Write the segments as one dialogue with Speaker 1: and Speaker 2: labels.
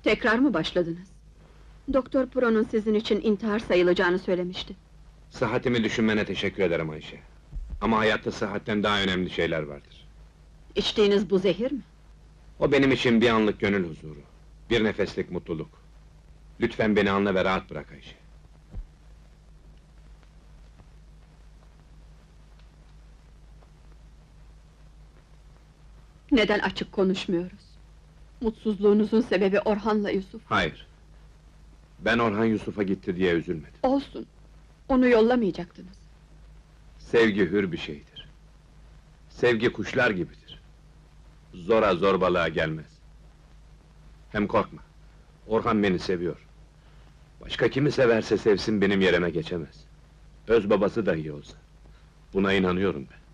Speaker 1: Tekrar mı başladınız? Doktor Pro'nun sizin için intihar sayılacağını söylemişti.
Speaker 2: Sıhhatimi düşünmene teşekkür ederim Ayşe. Ama hayatta sıhhatten daha önemli şeyler vardır.
Speaker 1: İçtiğiniz bu zehir mi?
Speaker 2: O benim için bir anlık gönül huzuru. Bir nefeslik mutluluk. Lütfen beni anla ve rahat bırak Ayşe.
Speaker 1: Neden açık konuşmuyoruz? Mutsuzluğunuzun sebebi Orhan'la Yusuf.
Speaker 2: Hayır. Ben Orhan Yusuf'a gitti diye üzülmedim.
Speaker 1: Olsun. Onu yollamayacaktınız.
Speaker 2: Sevgi hür bir şeydir. Sevgi kuşlar gibidir. Zora zorbalığa gelmez. Hem korkma. Orhan beni seviyor. Başka kimi severse sevsin benim yerime geçemez. Öz babası dahi olsa. Buna inanıyorum ben.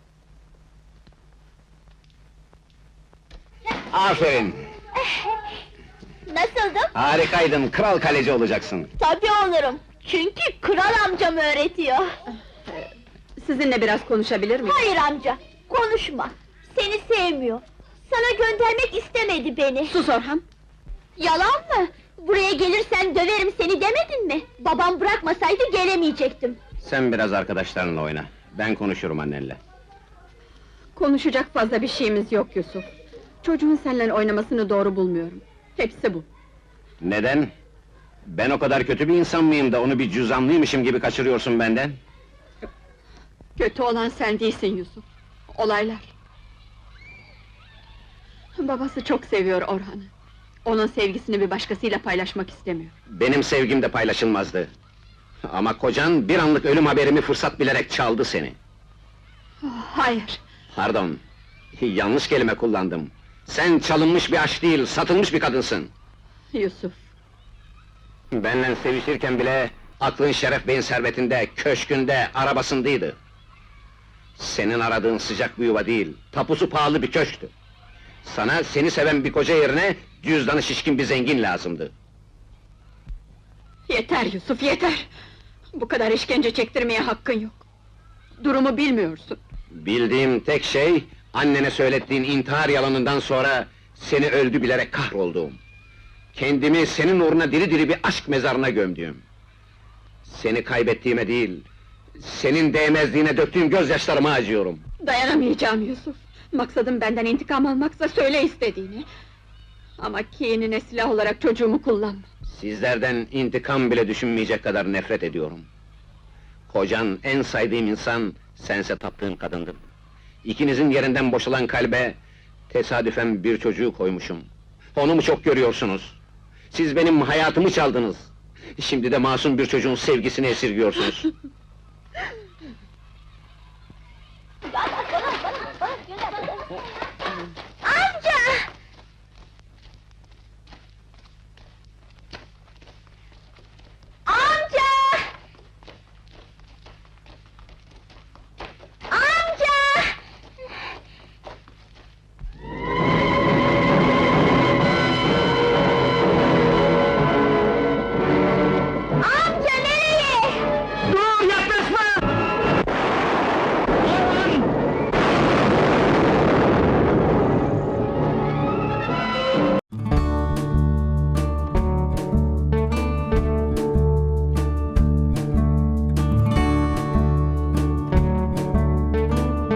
Speaker 3: Aferin!
Speaker 4: Nasıldım?
Speaker 3: Harikaydın, kral kaleci olacaksın.
Speaker 4: Tabii olurum. Çünkü kral amcam öğretiyor.
Speaker 1: Sizinle biraz konuşabilir miyim?
Speaker 4: Hayır amca, konuşma. Seni sevmiyor. Sana göndermek istemedi beni.
Speaker 1: Sus Orhan!
Speaker 4: Yalan mı? Buraya gelirsen döverim seni demedin mi? Babam bırakmasaydı gelemeyecektim.
Speaker 3: Sen biraz arkadaşlarınla oyna. Ben konuşurum annenle.
Speaker 1: Konuşacak fazla bir şeyimiz yok Yusuf. Çocuğun seninle oynamasını doğru bulmuyorum. Hepsi bu.
Speaker 3: Neden? Ben o kadar kötü bir insan mıyım da onu bir cüzamlıymışım gibi kaçırıyorsun benden?
Speaker 1: Kötü olan sen değilsin Yusuf. Olaylar. Babası çok seviyor Orhan'ı. Onun sevgisini bir başkasıyla paylaşmak istemiyor.
Speaker 3: Benim sevgim de paylaşılmazdı. Ama kocan bir anlık ölüm haberimi fırsat bilerek çaldı seni.
Speaker 1: Hayır!
Speaker 3: Pardon, yanlış kelime kullandım. Sen çalınmış bir aşk değil, satılmış bir kadınsın.
Speaker 1: Yusuf!
Speaker 3: Benle sevişirken bile aklın Şeref Bey'in servetinde, köşkünde, arabasındaydı. Senin aradığın sıcak bir yuva değil, tapusu pahalı bir köşktü. Sana seni seven bir koca yerine cüzdanı şişkin bir zengin lazımdı.
Speaker 1: Yeter Yusuf, yeter! Bu kadar işkence çektirmeye hakkın yok. Durumu bilmiyorsun.
Speaker 3: Bildiğim tek şey, annene söylettiğin intihar yalanından sonra seni öldü bilerek kahrolduğum. Kendimi senin uğruna diri diri bir aşk mezarına gömdüğüm. Seni kaybettiğime değil, senin değmezliğine döktüğüm gözyaşlarıma acıyorum.
Speaker 1: Dayanamayacağım Yusuf! Maksadım benden intikam almaksa söyle istediğini. Ama kinine silah olarak çocuğumu kullanma.
Speaker 3: Sizlerden intikam bile düşünmeyecek kadar nefret ediyorum. Kocan, en saydığım insan, sense taptığım kadındın. İkinizin yerinden boşalan kalbe, tesadüfen bir çocuğu koymuşum. Onu mu çok görüyorsunuz? Siz benim hayatımı çaldınız. Şimdi de masum bir çocuğun sevgisini esirgiyorsunuz.
Speaker 4: Bana,